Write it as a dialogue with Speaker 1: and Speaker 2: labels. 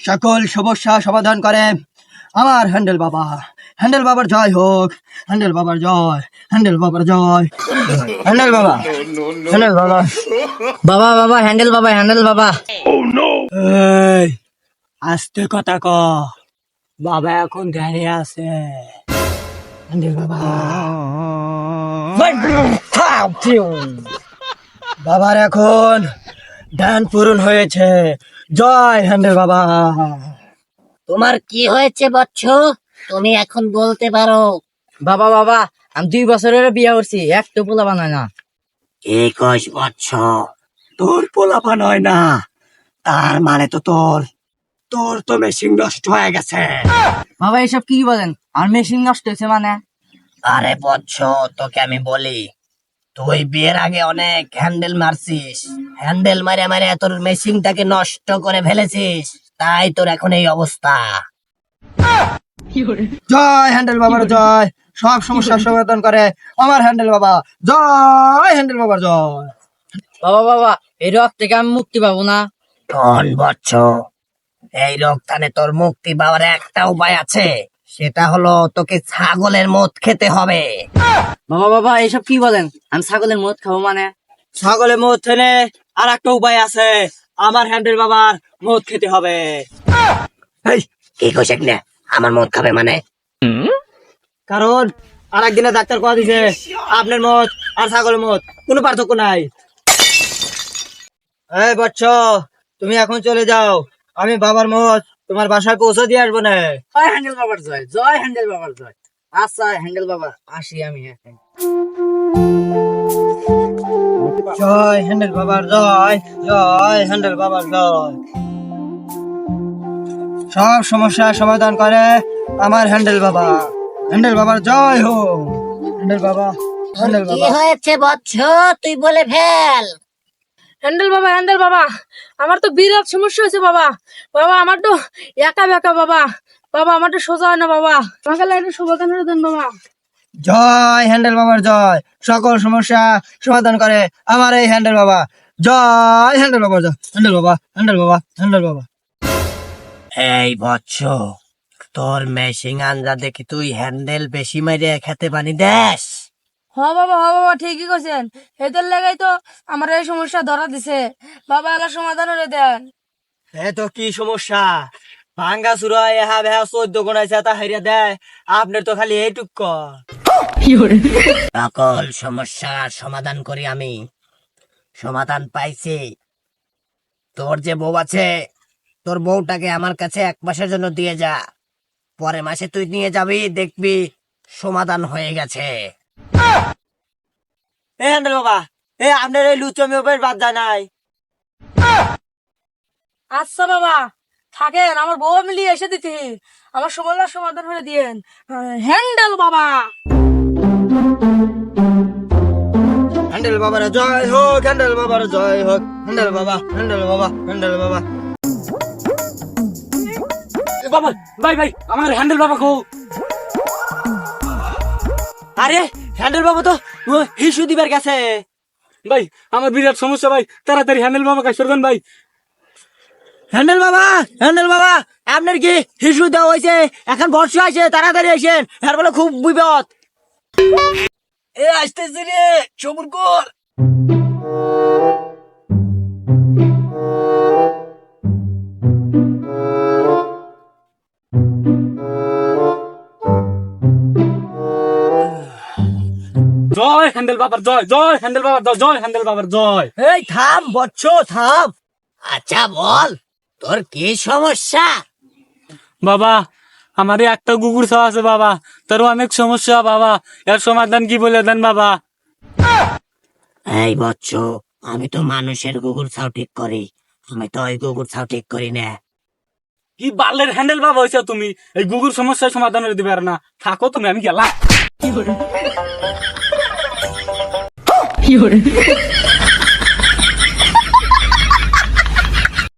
Speaker 1: সকল সমস্যা সমাধান করে আমার হ্যান্ডেল বাবা। হ্যান্ডেল বাবার জয় হোক, হ্যান্ডেল বাবার জয়, হ্যান্ডেল বাবার জয়। হ্যান্ডেল বাবা, হ্যান্ডেল বাবা,
Speaker 2: বাবা বাবা হ্যান্ডেল বাবা হ্যান্ডেল বাবা।
Speaker 1: এই আস্তে কথা ক, বাবা এখন ধ্যানে আছে। হ্যান্ডেল বাবা, বাবার এখন ধ্যান পূরণ হয়েছে। জয় হ্যান্ডেল বাবা।
Speaker 2: তোমার কি হয়েছে বচ্চ? তুমি এখন বলতে পারো। বাবা বাবা আমি 2 বছরের বিয়ে করছি, একটু পোলা বানায় না।
Speaker 1: 21 বছর তোর পোলাপান হয় না, তার মানে তো তোর তো মেশিন নষ্ট হয়ে গেছে।
Speaker 2: বাবা এসব কি বলেন? আর মেশিন নষ্ট হয়েছে মানে?
Speaker 1: আরে বচ্চ, তোকে আমি বলি, তুই বিয়ের আগে অনেক হ্যান্ডেল মারছিস, হ্যান্ডেল মারে মারে তোর মেশিনটাকে নষ্ট করে ফেলেছিস, তাই তোর এখন এই অবস্থা। জয় হ্যান্ডেল বাবার জয়, সব সমস্যার সমাধান করে আমার হ্যান্ডেল বাবা। জয় হ্যান্ডেল বাবার জয়।
Speaker 2: বাবা বাবা এই রোগ থেকে আমি মুক্তি পাবো না?
Speaker 1: শোন বচ্চ, এই রোগ থেকে তোর মুক্তি পাওয়ার একটা উপায় আছে, সেটা হলো তোকে ছাগলের মদ খেতে হবে।
Speaker 2: বাবা বাবা এসব কি বলেন? আমি ছাগলের মদ খাবো মানে?
Speaker 1: ছাগলের মদ খেলে আর একটা উপায় আছে, আমার হ্যান্ডেল বাবার মদ খেতে হবে। এই কি কইছেন না আমার মদ খাবে মানে? কারণ আর একদিনে ডাক্তার কথা দিছে আপনার মদ আর ছাগলের মদ কোনো পার্থক্য নাই। এই বচ্চ, তুমি এখন চলে যাও, আমি বাবার মদ তোমার বাসায় পৌঁছে দিয়ে আসবো না।
Speaker 2: জয় হ্যান্ডেল বাবার জয়, জয় হ্যান্ডেল বাবার জয়। আচ্ছা হ্যান্ডেল বাবা আসি আমি এখন।
Speaker 1: জয় হ্যান্ডেল বাবার জয়, জয় হ্যান্ডেল বাবার জয়। সব সমস্যার সমাধান করে আমার হ্যান্ডেল বাবা। হ্যান্ডেল বাবার জয় হোক। হ্যান্ডেল বাবা, হ্যান্ডেল
Speaker 2: কি
Speaker 1: বাবা।
Speaker 2: হয়েছে বচ্চ? তুই বলে ফেল।
Speaker 3: হ্যান্ডেল বাবা, হ্যান্ডেল বাবা, আমার তো বিরাট সমস্যা হয়েছে বাবা। বাবা আমার তো একা বেকা বাবা। বাবা আমার তো সোজা হয় না বাবা, আমাকে একটা সমাধান করে দেন বাবা।
Speaker 1: জয় হ্যান্ডেল বাবার জয়, সকল সমস্যা সমাধান করে আমার এই হ্যান্ডেল বাবা। জয় হ্যান্ডেল বাবার জয়। হ্যান্ডেল বাবা, হ্যান্ডেল বাবা, হ্যান্ডেল বাবা। এই বচ্চ, তোর মেশিং আঞ্জা দেখি তুই হ্যান্ডেল বেশি মাইরে খেতে পানি দেশ।
Speaker 3: হ বাবা, হ বাবা, ঠিকই কইছেন। এদের লাগাই তো আমার এই সমস্যা ধরা দিছে। বাবা এলা সমাধান করে দেন।
Speaker 1: এ তো কি সমস্যা? ভাঙ্গা চুরা এহা বেহা 14 গোনাইছে তা হারিয়া দেয়, আপনার তো খালি এইটুক। সকল সমস্যার সমাধান করি আমি, সমাধান পাইছি। তোর যে বউ আছে, তোর বউটাকে আমার কাছে 1 মাসের জন্য দিয়ে যা, পরের মাসে তুই নিয়ে যাবি, দেখবি সমাধান হয়ে গেছে। এ হ্যান্ডেল বাবা, এ আপনার এই লুচমি উপর বাদ যায় নাই।
Speaker 3: আচ্ছা বাবা থাকেন, আমার বউ মিলিয়ে এসে দিতে, আমার সমস্যার সমাধান করে দিয়েন। হ্যান্ডেল বাবা।
Speaker 1: হ্যান্ডেল বাবার জয় হোক, হ্যান্ডেল বাবার জয় হোক। হ্যান্ডেল বাবা, হ্যান্ডেল বাবা, হ্যান্ডেল বাবা।
Speaker 4: বাবা ভাই ভাই আমার হ্যান্ডেল বাবা কো।
Speaker 1: আরে হ্যান্ডেল বাবা তো হিসু দিবার গেছে।
Speaker 4: ভাই আমার বিরাট সমস্যা ভাই, তাড়াতাড়ি হ্যান্ডেল বাবা কাজ করবেন ভাই।
Speaker 1: হ্যান্ডেল বাবা, হ্যান্ডেল বাবা, আপনার কি হিসু দেওয়া হয়েছে? এখন বর্ষা আছে, তাড়াতাড়ি আসেন, এর বলে খুব বিপদ। এ আসতেছি রে, সবুর কর।
Speaker 4: জয় হ্যান্ডেল বাবার জয়, জয় হ্যান্ডেল বাবার জয়, জয় হ্যান্ডেল বাবার জয়।
Speaker 1: এই থাম বচ্চ, থাম। আচ্ছা বল, তোর কি সমস্যা?
Speaker 4: বাবা আমার একটা কুকুর ছাওয়া আছে বাবা, তার অনেক সমস্যা বাবা, এর সমাধান কি বলে দেন বাবা?
Speaker 1: এই বচ্চ, আমি তো মানুষের কুকুর ছাও ঠিক করি, আমি তো ওই কুকুর ছাও ঠিক করি না।
Speaker 4: কি বালের হ্যান্ডেল বাবা হয়েছে তুমি, এই কুকুর সমস্যার সমাধান করে দিবে না। থাকো তুমি, আমি গেলাম।